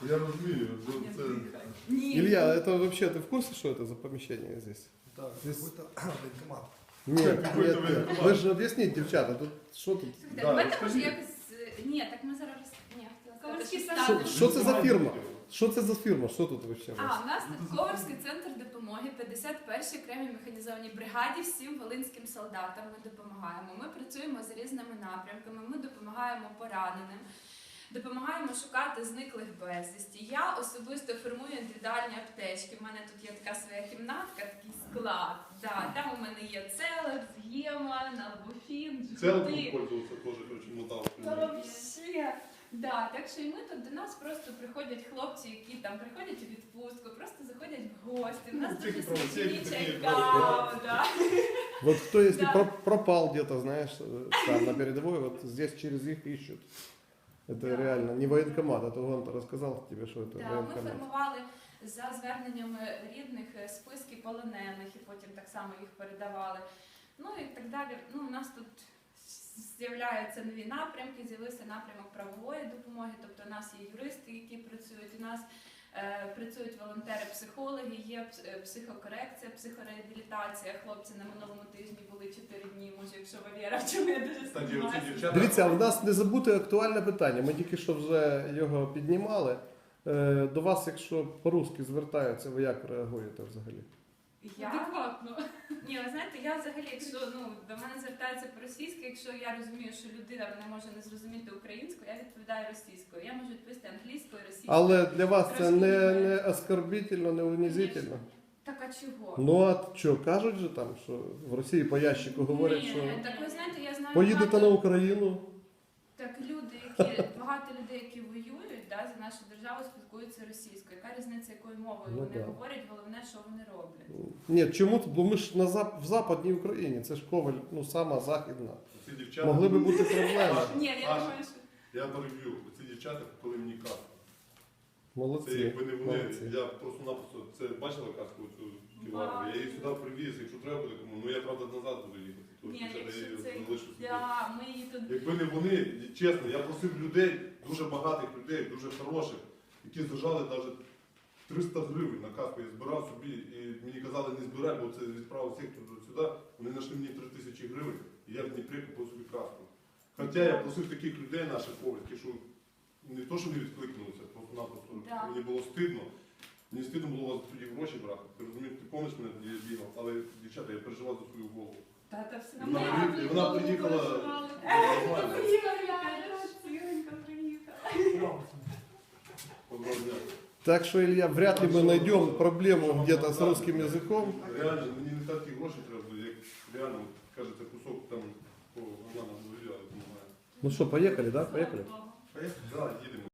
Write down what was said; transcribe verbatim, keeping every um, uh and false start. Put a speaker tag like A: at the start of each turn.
A: Я розумію. Це...
B: Ні.
C: Илья, это вообще, ты в курсе, что это за помещение здесь?
D: Да,
C: Здесь-
D: какой-то военкомат.
C: Нет,
A: Какой-то
C: нет, нет.
A: военкомат.
C: Вы же объясните, девчата, тут что тут?
B: Слухайте,
A: Да,
B: давайте може
A: розкажіть.
B: якось. Ні, так ми зараз. Ні, хотіла сказати,
E: Ковальський
B: що
E: центр.
B: ставимо.
C: Що це за фірма? Що це за фірма? Що тут вообще у вас?
B: А, у нас тут Ковальський центр допомоги, п'ятдесят першій окремій механізованій бригаді, всім волинським солдатам ми допомагаємо. Ми працюємо з різними напрямками, ми допомагаємо пораненим, допомагаємо шукати зниклих безвісті. Я особисто формую індивідуальні аптечки. У мене тут є така своя кімнатка, такий склад. Да, там у мене є целекс, гема, налбуфін,
A: Целком
B: джгути.
A: пользоваться тоже, короче, мотал.
B: Та вообще. Да, так що і ми тут до нас просто приходять хлопці, які там приходять у відпустку, просто заходять в гості. У нас
A: Ну,
B: дуже
A: тільки правосуддя,
B: смачні
A: такі
B: кава, да.
C: Вот кто, если
B: Да.
C: про- пропал где-то, знаешь, э, там на передовой, вот здесь через их ищут. Это
B: Да.
C: реально не военкомат, а то он рассказал тебе, что это
B: Да, ми
C: военкомат.
B: формували за зверненнями рідних е, списки полонених і потім так само їх передавали. Ну і так далі. Ну, у нас тут з'являються нові напрямки, з'явився напрямок правової допомоги, тобто у нас є юристи, які працюють, у нас е, працюють волонтери-психологи, є пс- е, психокорекція, психореабілітація. Хлопці на минулому тижні були чотири дні, може, якщо Валера, в чому я дуже
A: Кстати, оці
B: сподіваюся.
A: дівчата...
C: Дивіться, а в нас не забути актуальне питання. Ми тільки що вже його піднімали. Е, До вас, якщо по-русски звертаються, ви як реагуєте взагалі?
B: Я?
E: Адекватно.
B: Ні, ви знаєте, я взагалі, якщо ну до мене звертаються по-російськи, якщо я розумію, що людина не може не зрозуміти українську, я відповідаю російською. Я можу відповісти англійською, російською.
C: Але для вас це
B: Трошки
C: не,
B: не-
C: не оскорбительно, не унизительно.
B: Так а чого?
C: Ну а що, кажуть же там, що в Росії по ящику говорять,
B: Ні,
C: що
B: так ви знаєте, я знаю
C: поїдете
B: багато,
C: на Україну.
B: так люди, які багато людей, які воюють, да, за нашу державу, спілкуються російською. Яка різниця, якою мовою
C: Ну,
B: вони
C: да.
B: говорять, головне, що вони роблять.
C: Ні, чому? Бо ми ж на зап... в Западній Україні, це ж Коваль, ну сама західна.
A: Ці дівчата...
C: Могли би бути проблеми.
B: Ні, я
A: Саша.
B: думаю, що
A: Я переб'ю. Ці дівчата купили мені каску. Це
C: Молодці.
A: якби не вони,
C: молодці.
A: я просто-напросто, це бачила каску цю ківарну, я її сюди привіз, якщо треба буде кому, ну я правда назад буду їхати. Тому
B: ні,
A: що я
B: якщо
A: її
B: це
A: залишу собі.
B: да, ми її тут.
A: Якби не вони, чесно, я просив людей, дуже багатих людей, дуже хороших, які зажали навіть триста гривень на каску. Я збирав собі і мені казали, не збирай, бо це відправив сектор сюди. Вони знайшли мені три тисячі гривень, і я в Дніпрі купив собі каску. Хоча я просив таких людей наших ковальських, що не то, що не відкликнулися, просто-напросто
B: Да.
A: мені було стидно. Мені стидно було у вас тоді гроші брати. Ти розумієш, ти помниш мене тоді я бігав, але дівчата, я переживав за свою голову.
B: Та, та все
A: Вона,
B: нормально.
A: приїхала- вона приїхала нормально.
B: Ціленько приїхала.
A: Доброго дня.
C: Так что, Илья, вряд ли мы найдем проблему где-то с русским языком.
A: Реально, мені не такі гроші треба, як реально, от, кажете, кусок там, о, вона нам довіряє, допомагає.
C: Ну что, поехали, да? Поехали.
A: Да, їдемо.